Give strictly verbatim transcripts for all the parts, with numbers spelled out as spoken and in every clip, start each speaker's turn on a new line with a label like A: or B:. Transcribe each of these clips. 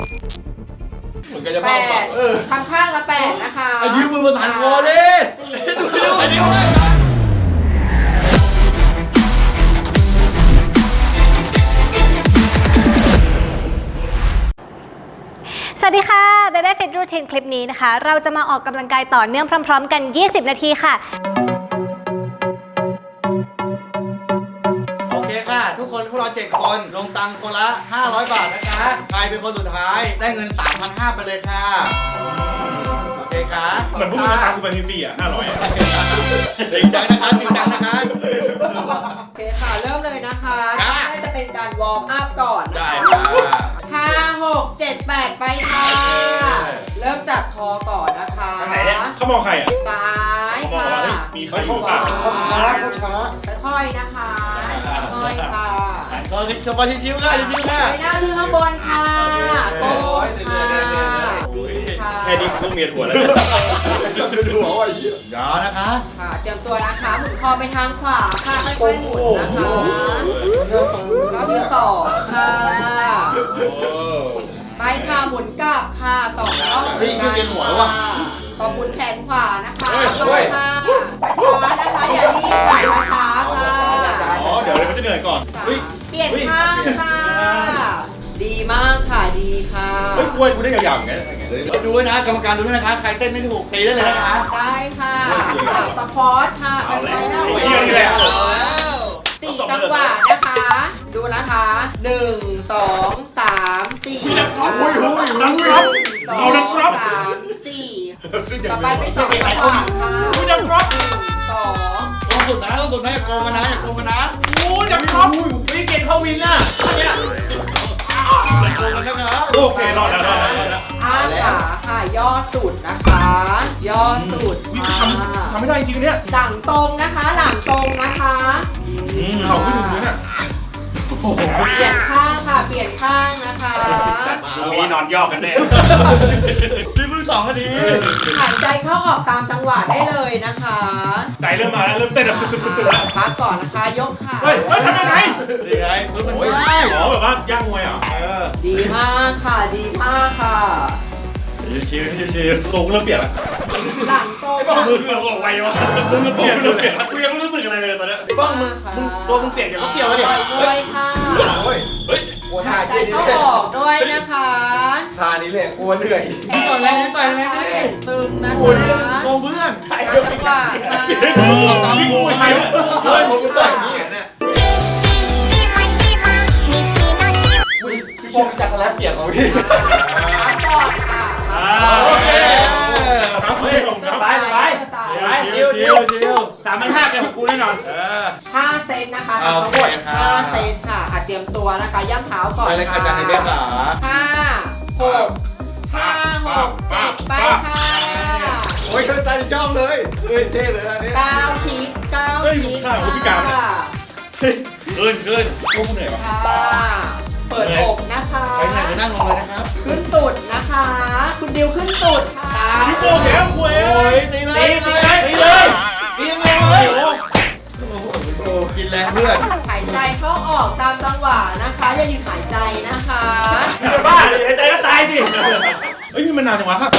A: เหมือนกันจะ
B: แป
A: บ้า
B: ด
A: เออ
B: ทำข้างละแปดนะคะ
A: ยืมมือมาสานคอดิดูอันนี้ว่า
C: สวัสดีค่ะเบเบ้ฟิตรูทีนคลิปนี้นะคะเราจะมาออกกำลังกายต่อเนื่องพร้อมๆกันยี่สิบนาทีค่ะ
A: โอเคค่ะทุกคนพวกเราเจ็ดคนลงตังค์คนละห้าร้อยบาทนะคะใครเป็นคนสุดท้ายได้เงิน สามพันห้าร้อย ไปเลยค่ะโอเคค่ะ
D: เหมือนพวกมึงตามกูไปฟรีๆอ่ะห้าร้อยอ่ะ
A: จริงจังนะคะจริงจังนะคะ
B: โอเคค่ะเริ่มเลยนะคะ
A: ค่ะ
B: น่าจะเป็นการวอร์มอัพก่อนนะ
A: ได้
B: คะ
A: ค่ะ
B: ห้าหกเจ็ดแปดไปค่ะเริ่มจากคอก่อนนะคะ
D: ทางไหนเนี่ยเขามองใครอ่ะ
B: ซ้าย
D: เขามอง
B: ค่ะ
D: ว่าเฮ้ยมีใครอยู่ป่ะ
A: เขาช้าเขาช้า
B: ค่อยๆนะคะค่อยๆค่ะ
A: ก็สบายชิวๆค่ะชิวๆค่ะ
B: ไปหน้าดูข้างบนค่ะโก้ค่ะดีค่ะ
D: แค่นี้กูต้องเมียนหัวแล้ว
A: ดูหัวว่าเยอะยาวนะคะ
B: ค่ะเตรียมตัวนะคะหมุนคอไปทางขวาค่ะค่อยๆหมุนนะคะรอบที่สองค่ะไปค่ะหมุนกลับค่ะสองรอบเหมือนกันค่ะต่อหมุนแขนขวานะคะไปค่ะช้าๆนะคะอย่ารีบค่ะช้าๆค่ะ
D: อ๋อเดี๋ยวเลยมันจะเหนื่อยก่อนเฮ้ย
B: เปลี่ยนข้างค่ะดีมากค่ะดีค่ะ
D: เฮ้ยกล้วยกูได้ยาวๆอย่างเงี้ย
A: ดูด้วยนะกรรมการดูด้วยนะคะใครเต้นไม่ถูกตีได้เลยนะคะ
B: ได้ค่ะสปอร์ตค่ะไปไปแล้ว
D: เยี่ยมนี่แหละ
B: สี่จังหวะนะคะ ดูนะคะหนึ่งสองสามสี่
D: อุ้ยอุ้ยนักรับเอานักรับ
B: สามสี่ต่อไปเป็นสองจังหวะค่ะ
D: อุ้ยนักรับ
B: สอง
A: ลงสุดนะลงสุดนะอย่าโกงกันนะอย่าโกงกันนะ
D: อุ้ยนักรับวิ่งเก่งเข้าวินอ่ะเนี่ย
A: อย่าโกงกันนะคะ
D: โอเครอดแล้วรอดแล้วรอดแล้ว
B: อ้าขาค่ะย่อสุดนะคะ ย่อสุด
D: วิ่ง
B: ค่ะ
D: ทำทำไม่ได้จริงๆเนี่ย
B: หลังตรงนะคะ หลังตรงนะคะ
D: เขาขึ้นถึงเนี่ย
B: เปลี่ยนข้างค่ะ เปลี่ยนข้างนะคะ
D: ตรงนี้นอนย่อกันแน่
A: พี่เพิ่งสองนาที
B: หายใจเข้าออกตามจังหวะได้เลยนะคะ
D: ใจเริ่มมาแล้วเริ่มเต้นแบบตึ๊บๆๆแล้ว
B: พักก่อนนะคะ ยกขา
D: เฮ้ยเฮ้ยทำยังไง
A: นี่ไงปึ๊บมันได้
D: อ๋อแบบว่าย่างมวยอ่ะเออ
B: ดีมากค่ะ ดีมากค่ะ
D: ชิวๆชิวๆตัวกูเริ่มเปลี่ยนละ
B: หลังตรง
D: ไอ้บ้ามือเกือบออกไววะมือมันเปลี่ยนเริ่มเปลี่ยนละกูยังไม่รู้สึกอะไรเลยตอนเนี้ย
A: บ้างมึง
B: ค่ะ
A: มึงตัวมึงเปลี่ยนอย่างเขาเกี่ยวแล้วเนี่ย
B: ด้วยค่ะ
A: เฮ้ย
D: เฮ้ย
A: กลัวท่า
B: หายใจ
A: เจ๊นี่
B: เข้า
A: เลย
B: ออกด้วยนะคะ
A: ท่านี้เลยกลัวเหนื่อยต่อยไหมต่อยไหมพี่
B: ตึงนะ
A: โอ้ย
B: คะ
A: โกงเพื่อน
D: ใคร
B: จั
D: เริ่ม
B: ง
D: เปลี่ยน
B: หวะค่ะ
A: ตามกูทำไมเฮ้ยผมต่อยอย่างนี้เนี่ยพี่พงจักรแล้วเปียกของพี่
B: พักก่อนค่ะ
D: อ่าโอเคครับเฮ้ยผมครับไปไปไปชิวชิวชิวสามพันห้าเป็นของกูแน่นอนเออ
B: ห้าเซตนะคะ
A: เอา
B: ทั้งหมด
A: ด้วยค่ะ
B: ห้าเซตค่ะอ่ะเตรียมตัวนะคะย่ำเท้าก่อน
A: ไปเลยค่ะอาจารย์ในเบี้ยขา
B: ห้าหกห้าหกเจ็ดไปค่ะ
A: โอ้ยใจชอบเลยเฮ้ยเท่เลยอันนี้
B: เก้าชีสเก้า
D: เฮ้ย
B: ชีส
D: ข้างผมพิการเนี่ย
B: ค่ะ
D: ขึ้นขึ้นพวกกูเหนื่อยวะ
B: ค่ะเปิดอกนะคะ
A: ไปไหนไปนั่งลงเลยนะครับ
B: ขึ้นตุดนะคะ คุณดิวขึ้นตุดค่ะ
D: พี่โก้แกมคุย
A: โอ้ยตีเลย
D: ตีตีเลยตีเลยตีเลยโอ้
A: โอ้กินแรงเพื่อน
B: หายใจเข้าออกตามจังหวะนะคะอย่าหยุดหายใจนะคะ
D: ยจะบ้าดิใจก็ตายสิเฮ้ยนี่มันนานจังวะครับ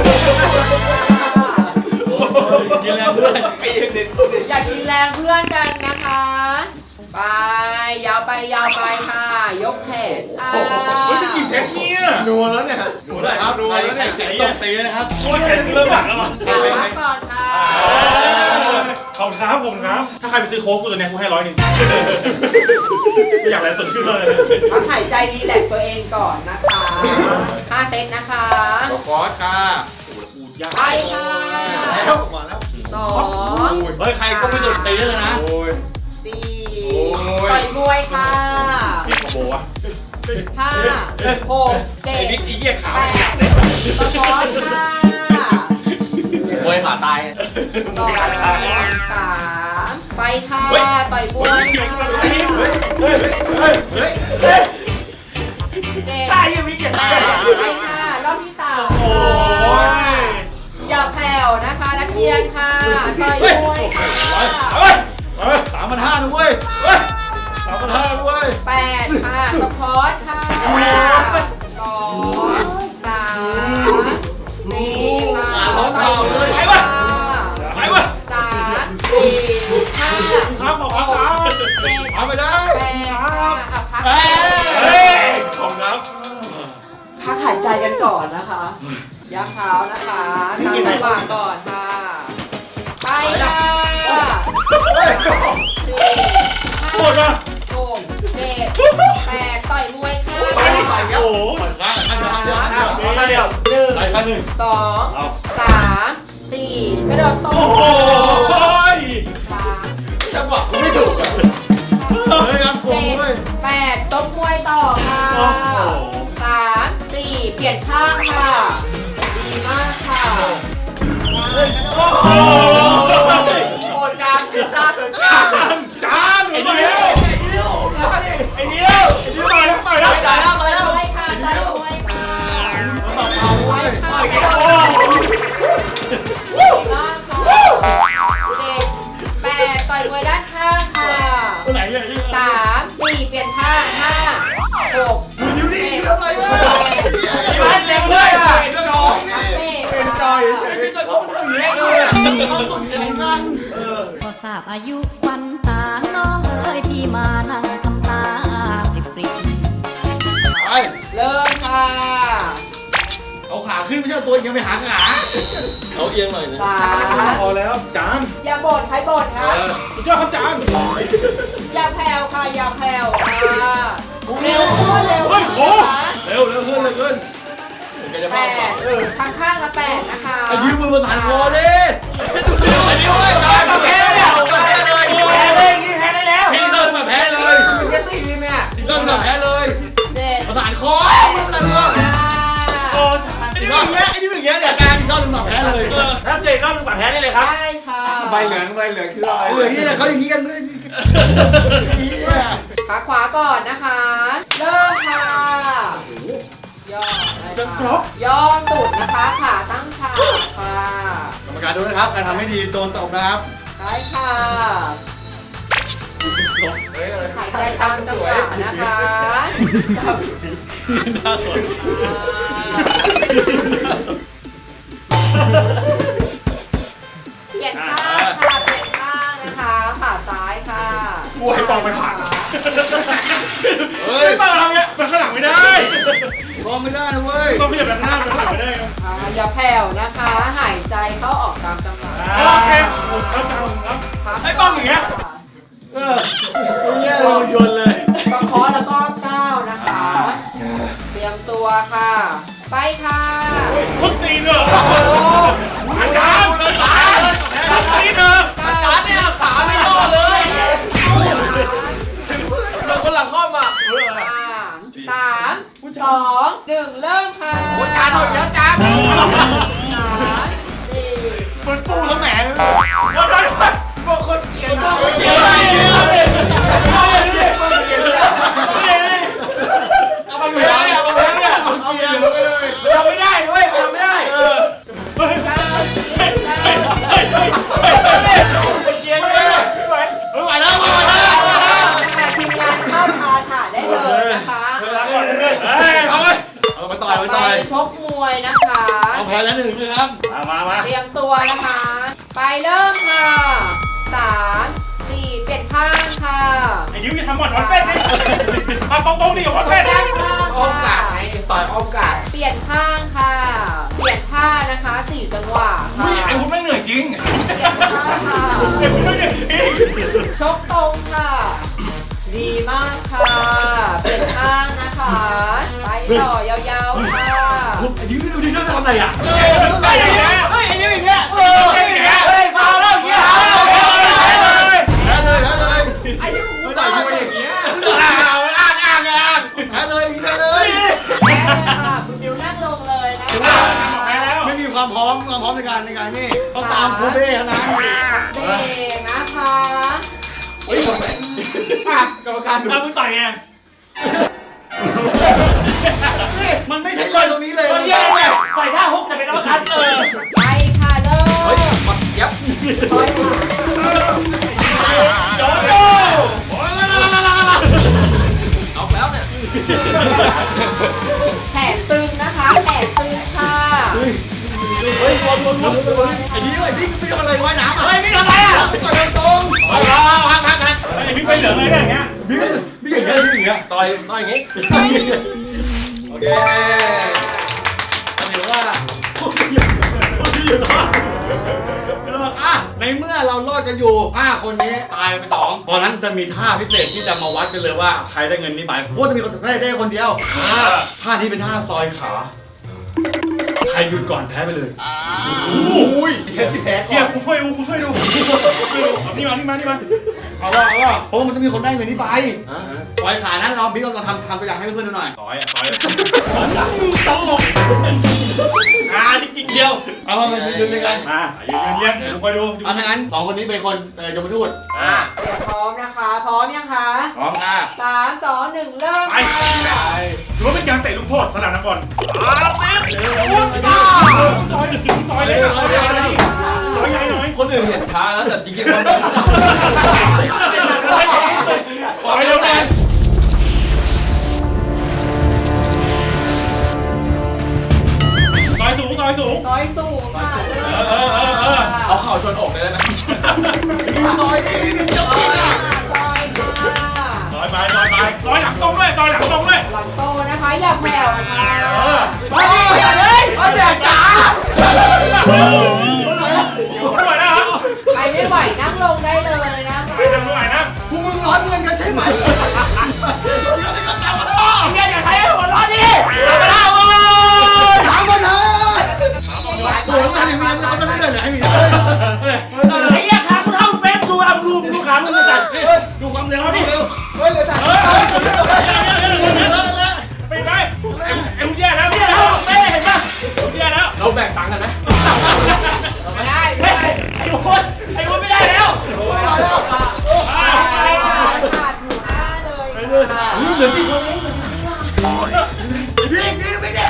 A: กินแรงเพื่อนไอ้เด็ก
B: อย่ากินแรงเพื่อนกันนะคะ ไปยาวไปยาวไปค่ะ ยกแขนค่ะ
D: เฮ้ยจะกี่เทปเนี่ย
A: นัวแล้วเนี่ยนัวแล้วครับนัวแล้วเนี่ยใครตบตีนะครับ
D: โอ้ยเริ่มหลักแล้วมั้ง
B: พักก่อนค่ะ
D: ขอบคุณครับขอบคุณครับ ถ้าใครไปซื้อโค้กกูตัวเนี้ยกูให้ร้อยหนึ่งไม่อยากอะไรสดชื่นเลย
B: พักหายใจรีแลกซ์ตัวเองก่อนนะคะห้าเซตนะคะ
A: ขอคอร์สค่ะ
D: กูยาก
B: ไปค่ะ
A: แล้วมาแล้ว
B: สอง
A: เฮ้ยใครก็ไม่หยุดตีเลยนะโอ้ย
B: สี่
A: โอ้ย
B: ต่อยมวยค่ะ
D: พี่ขโมยวะ
B: ห้าหกเจ็ด
A: ไอ้บิ๊กอีเหี้ยขาว
B: แปดตะพอนค่ะ
A: มวยขาตาย
B: สองสามไปค่ะต่อยมวย
D: เฮ้ยเฮ้ยเฮ้ยเฮ้ย
B: เจ็ด
D: ตายยังมีเจ็บ
B: แป
D: แป
B: ด
D: ด
B: ไปค่ะรอบที่สาม
D: โอ้ย
B: อย่าแผ่วนะคะนักเรียนค่ะต่อยมวยค่ะ
D: เฮ้ยเฮ้ย
A: สามพันห้านะเว้ยเฮ้ยสามพันห้านะเว้ย
B: แปดค่ะสปอร์ตค่ะสอง
D: ไปวะไปวะ
B: สามสี่ห้า
D: ครับขอบคุณครับ
B: เจ็ด
A: เอาไปได้
B: แปดค่ะอ่ะพัก
D: เฮ้ยขอบคุณครับ
B: พักหายใจกันก่อนนะคะยักเท้านะคะทำจังหวะก่อนค่ะไปค่ะสี่
D: ปวด
B: ห้า
D: อ่ะ
B: หกเจ็ดแปดต่อยมวยค่ะ
D: ไปดิโอ้โห
A: ปล่อยข้างข้างข้างเดียว
B: สาม
D: มาเดียว
B: หนึ่ง
A: ไปข้างหนึ่ง
B: สองสามสี่กระโดดต
D: โอ้
B: บ
D: โห
B: สาม
A: จังหวะกูไม่ถูกอ่ะเฮ้ยครับผม
B: เจ็ด
A: เว้ย
B: แปดตบมวยต่อค่ะสามสี่เปลี่ยนข้างค่ะดีมากค่ะเฮ้ยกระโด
D: โอ้
B: ด
D: โห
A: โอ้จานจานจาน
D: จานไอ้เดียวไอ้เดียวไอ้เดียวมาแล้วมาแล้ว
A: จ่ายแล้วไปแล้ว
B: มวยค่ะต่อยมวยค่ะ
A: ต่อเอาไว้
B: ค่ะ
A: ต่อย
B: ดี
A: กัน
B: มากค่ะเจ็ดแปดต่อยมวยด้านข้างค่ะ
D: ตัวไหนเนี่ย
B: สามสี่เปลี่ยนข้างห้าหก
A: อยู่นี่
B: เจ็ด
A: ทำไมวะ
D: ไอ้บ้านเต็มเลยอ่ะ
A: เป็นจอยเป็นจอยเป็นจอยเพราะมันทำอย่างนี้เลยอ่ะต้องสนใจกันเออ
E: ก็ทราบอายุควันตา น้องเอ๋ยพี่มานั่งทำตาปริบปริบ
A: ไป
B: เริ่มค่ะ
A: เอาขาขึ้นไม่ใช่ตัวยังไปหาขา
D: เอาเอียงหน่อยนะ
B: สาม
D: พอแล้วจาน
B: อย่าบ่นใครบ่นครับ
D: สุดยอดครับจาน
B: อย่าแผ่วค่ะอย่าแผ่วค่ะเร็วขึ้นเร็ว
D: เฮ้ย
B: ขึ้
D: โอ้
B: นนะคะ
A: เร็วเร็วขึ้นเร็วขึ้น
B: แปดเออข้างข้างละแปดนะคะ
A: ไอ้ยืมมือมาสานคอดิไอ้ยืมเลยจอยมาแพ้เลยแพ้เลย
D: แพ้เลยยิงแพ้ได้แล้ว
A: พี่เดินมาแพ้เลยแค่ตีแม่เดินมาแพ้เลย
B: เจ็ด
A: มาสานคอมืออะไรวะ
B: ห้า
D: โอ้ไอ้นี่อย่างเงี้ยไอ้นี่อย่างเงี้ย
A: อาการอีกรอบนึงมาแพ้เลย
D: เออถ้าเจออีกรอบนึงบาดแพ้ได้เลยครับ
B: ได้ค่ะ
A: ใบเหลืองใบเหลืองคืออะไรเหลืองนี่เขาอย่างนี้กันเลย
B: ขาขวาก่อนนะคะ เริ่มค่ะย่อได้ค่ะย่อตุดนะคะขาตั้งฉากค่ะ
A: กรรมการดูนะครับการทำให้ดีโดนตบนะครับ
B: ได้ค่ะหายใจตามจังหวะนะคะเปลี่ยนข้างค่ะเปลี่ยนข้างนะคะขาซ้ายค่ะ
D: กูให้ปองไปผ่าน
A: เฮ้
D: เฮ้
A: ย
D: ยปองทำเงี้ยมันข้างหลังไม่ได้
A: มองไม่ได้เว้ย
D: ต้องขยับแบบหน้ามันข้างหลังไม่ได้
B: อ่าอย่าแผ่วนะคะ หายใจเข้าออกตามจังหวะ
D: โอเคผมเข้าใจผมครับ
B: พัก
D: ไอ้ป้องอย่างเงี้ย
A: เออเนี่ยเราโยนเลย
B: ประเคาะแล้วก็ก้าวนะคะ เตรียมตัวค่ะ ไปค่ะ
D: ทุบตีนเหรออาจารย์อาจารย์ทุบตีนเหรอ
B: อาจารย์เนี่ยขาไม่ย่อเลยเราคนหลังข้อมาสามสองหนึ่งเริ่มค่ะ
A: จานหน่อยแล้วจาน
B: สามสี่
A: มันปูแล้วแหม
D: วันนั้นบอกคนเกลียดบอกคนเกลียดเลยเกลียดเลยเกลียดเลยเกลียดเลยเอาไปอยู่แล้วเนี่ยเอาไปแล้วเนี่ย
A: เอาเกลียดเลย
D: ทำไม่ได้เว้ยทำไม่ได้เออเฮ้ย
B: เก้าสิบ
D: เฮ้ย
B: เก้า
D: เฮ้ยเฮ้ยเฮ้ยเฮ้ยเกลียดเลยไม่ไหว
A: ไม่ไหวแล้วไม่ไหวแล้ว
B: ค่ะทีมงานเข้าพาถ่ายได้เลยนะคะ
D: เวลาก่อนเลยเฮ้ยเอาเลย
A: เอาไปต่อยไป
B: ไป
A: ต่อย
B: ชกมวยนะคะ
A: เอาแพ้แล้วหนึ่งนะครับ
D: มามามา
B: เตรียมตัวนะคะ ไปเริ่มค่ะสามสี่เปลี่ยนข้างค่ะ
D: ไอ้ยิ้มจะทำหมดวันเป็ดดิมาตรงๆดิกับวันเป็ด
B: ด้านข้าง
A: อ้อมกา
B: ค่ะ
A: ดไงต่อยอ้อมกาด
B: เปลี่ยนข้างค่ะ เปลี่ยนท่านะคะสี่จังหวะค่ะ
D: ไอ้คุณไม่เหนื่อยจริง
B: เปลี่ยนท่าค่ะ
D: ไอ้คุณไม่เหนื่อยจริง
B: ชกตรงค่ะ ดีมากค่ะ เปลี่ยนข้างนะคะ ไปต่อยาวๆค่ะ
A: ไอ้ยืมดูดิเขาทำอะไรอ่ะ
D: เฮ้ยไอ้เนี่ยเฮ้ยไอ้นี่อย่างเงี้ยเออไอ้เนี่ยเฮ้ยฟาวแล้วอย่างเงี้ยเลย
A: แพ้เลยแพ้เลย
B: ไอ้ที่
A: ไม่ต่อยยืมอย่างเงี้ยอ้างอ้างอ้างอ้างแพ้เลยแพ้เลย
B: แพ้เลยค่ะคุณบิวนั่งลงเลยนะคะ
A: ไม่มีความพร้อมความพร้อมในการในการนี่ต้องตามครูเบ้เท่านั้น
B: เด็กนะคะ
A: เฮ้ยกรรมการดู
D: ถ้ามึงต่อยไง
A: มันไม่ใช่เลยตรงนี้เลย
D: มันแย่ไงใส่ท่าฮุกแต่เป็นอัลคัตเออ
B: ไปค่ะเริ่ม
A: เฮ้ยมันยับ
B: ถอยค่ะ
D: โจโจ
A: เอาแล้วเนี่ย
B: แขนตึงนะคะแขนตึงค่ะ
A: เฮ้ยวนวนวนวน
D: งี้ยต่อยต่อยอย่างงี้
A: โอเคถือว่าอ่ะในเมื่อเรารอดกันอยู่ห้าคนนี้ตายไปสองตอนนั้นจะมีท่าพิเศษที่จะมาวัดกันเลยว่าใครได้เงินนี้ไปเพราะว่าจะมีคนได้ได้คนเดียวท่านี้เป็นท่าซอยขาใครหยุดก่อนแพ้ไปเลยอุ้ยแพ้ที่แพ้ก่
D: เดี๋ย
A: อ
D: วน กูช่วยดูกูช่วยดูกูช่วยดูเอานี่มานี่มานี่มา
A: เอาว่าเอาว่าเพราะว่ามันจะมีคนได้เงินนี้ไปซอยขานั้นเราบิ๊กเราทำทำตัวอย่างให้เพื่อนๆดูหน่อย
D: ต่อยอ่ะต่อยตลกอ่าจริงๆเดียว
A: เอามาเป็นยืนด้วยกัน
D: มายืนเรียนเดี๋ยวคอยดู
A: เอาถ้างั้นสองคนนี้เป็นคนเอ่อยมทูต
D: อ่า
B: เดี๋ยวพร้อมนะคะ พร้อมยังคะ
A: พร้อมค่ะ
B: สามสองหนึ่งเริ่ม
D: ไปถือว่าเป็นการเตะลูกโทษสนามนักบอลอ้าวแม่ต่อยต่อยเลยนะต่อยเลยนะต่อยใหญ่หน่อยคนอื่นเห็นช้าแล้วแต่จริงๆมันต่อยเร็วแรงต่อยสูงต่อยสูง
B: ต่อยสูงค่ะ
D: เออเออเออ
B: เอา
D: เข่าชนอกเลยนะ
A: ต่อยดีดีจัง
B: ต่
A: เล
B: อย
A: ย
B: ค่ะต่อยค่ะ
D: ต่อยไปต่อยไปต่อยหลังตรงด้วยต่อยหลังตรงด้วย
B: หลังโตนะคะ อย่าแผ่วนะคะ
D: เออ
A: เฮ้ยเฮ้ยเอาแดกจ๋า
D: ไม่ไหวแล้ว
B: ใครไม่ไหวนั่งลงได้เลยนะ
D: ไปทำไม่ไหวนะ
A: พวกมึงร้อนเงินกันใช่ไหม
D: เฮียอย่าใช้หัวร้อนดิเอาไปแล้วเว้ย
A: ถามมาเถอะตัวน้ำตาลอย่างนี้มันจะเลื่อนเหรอให้มีเฮ้ย
D: ไอ้เหี้ยขากูเท่าเป๊กดูอ่ะดูดูขามึงจะจัดดูความเร็วดิ
A: เฮ้ยเดี๋ยวจ๋า
D: เฮ้ยไปไปไอ้มึงแย่แล้วแย่แล้วเป้เห็นป่ะมึงแย่แล้วเราแบ่งตังค์กันไหม
B: ไม่ได้
D: เฮ้ยไอ้วุ้นไอ้วุ้นไม่ได้แล้ว
B: ขาดหนูหน้าเลยค่ะ
A: เหลือที่คนนี้วิ่งวิ่งวิ่งเนี่ย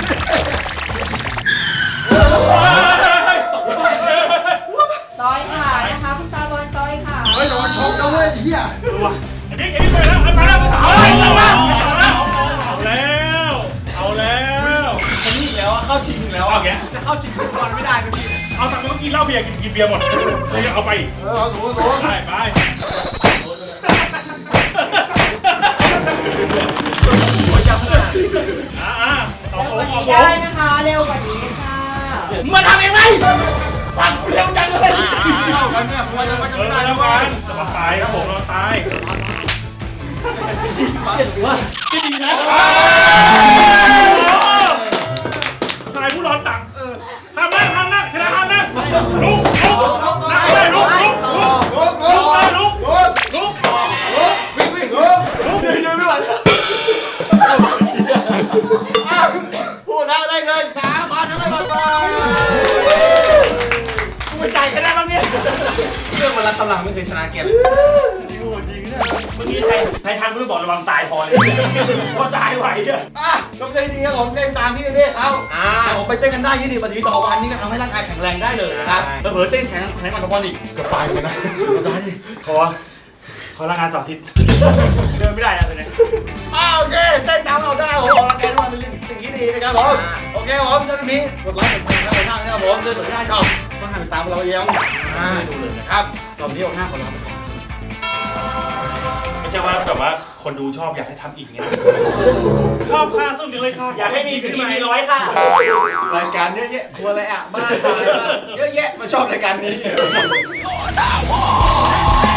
B: ต่อยขานะคะคุณตาบอลต่อยขา
A: เฮ้ยอย่ามาชกนะเว้ยเฮีย
D: ไอ้บิ๊กไอ้บิ๊กไปแล้วไปแล้วเอาแล้วเอาแล้วเอาแล้ว
A: คนนี้แล้วเข้าชิงแล้ว
D: เอาแก
A: จะเข้าชิงฟุตบอลไม่ได้เป็นที
D: เอาสั่งมากินเหล้าเบียร์กินกินเบียร์หมดเลยเอาไป
A: เออเอาถูถู
D: ไปไปอ่าอ่าต่อ
B: เร็ว
D: โค้
B: ก
D: ง
B: ว่า
D: ต่อ
B: นี้
D: โค้ง
B: ได้นะคะ เร็วกว่านี้ค่ะ
D: มาทำเองไหมฟังเร็วจังเลย
A: เข้ากันเนี่ยผมว่าจะไม่
D: เออ
A: ได้
D: แล้
A: แล้ว ว
D: กั
A: กัน น
D: จะมาตายครับผมเราตายจริงนะชายผู้ร้อนตังห้ามนั่งห้ามนั่งชนะห้ามนั่งลุกลุกนั่งเลยลุกลุกลุก
A: ลุกลุก
D: ลุก
A: ลุก
D: ลุก
A: วิ่งวิ่งลุก
D: ลุกเดินเดินไม่ไหวแล้ว
A: ผู้ชนะได้เงินสามพันห้าร้อยบาท
D: กูไปจ่ายกันได้บ้างเนี่ย
A: เรื่องมันรักกำลังไม่เคยชนะเกม
D: จริงจริงเนี่ยเมื่อกี้ใครใครทางกูบอกระวังตายพอเลยก็ตายไหวอ่ะ
A: อ่ะก็ไม่ได้ดีครับผมเต้นตามพี่เรียกเขาอ่าผมไปเต้นกันได้ยี่สิบนาทีต่อวันนี่ก็ทำให้ร่างกายแข็งแรงได้เลยนะครับเผลอเต้นแข็งแข็งมันทุกวันอีกเกือบตายเลยนะตายดิ
D: ขอขอรายงานสองทิศเดินไม่ได้อะตอนนี้
A: อ้าวโอเคเต้นตามเราได้ผมออกกำลังกายทุกวันเป็นสิ่งที่ดีนะครับผมโอเคผมเจอกันนี้กดไลค์กดแชร์กันไปหน้านะครับผมเจอกันที่หน้าจอต้องหันตามเราเองอ่าดูเลยนะครับตอนนี้ออกหน้าคนเราไปก่อน
D: ไม่ใช่ว่าแบบว่าคนดูชอบอยากให้ทำอีกเงี้ยชอบค่ะสนุกเลยค่ะอยากให้มีถึง อี พีร้อยค่ะ
A: รายการเยอะแยะครัวอะไรอ่ะบ้านตายบ้านเยอะแยะมาชอบรายการนี้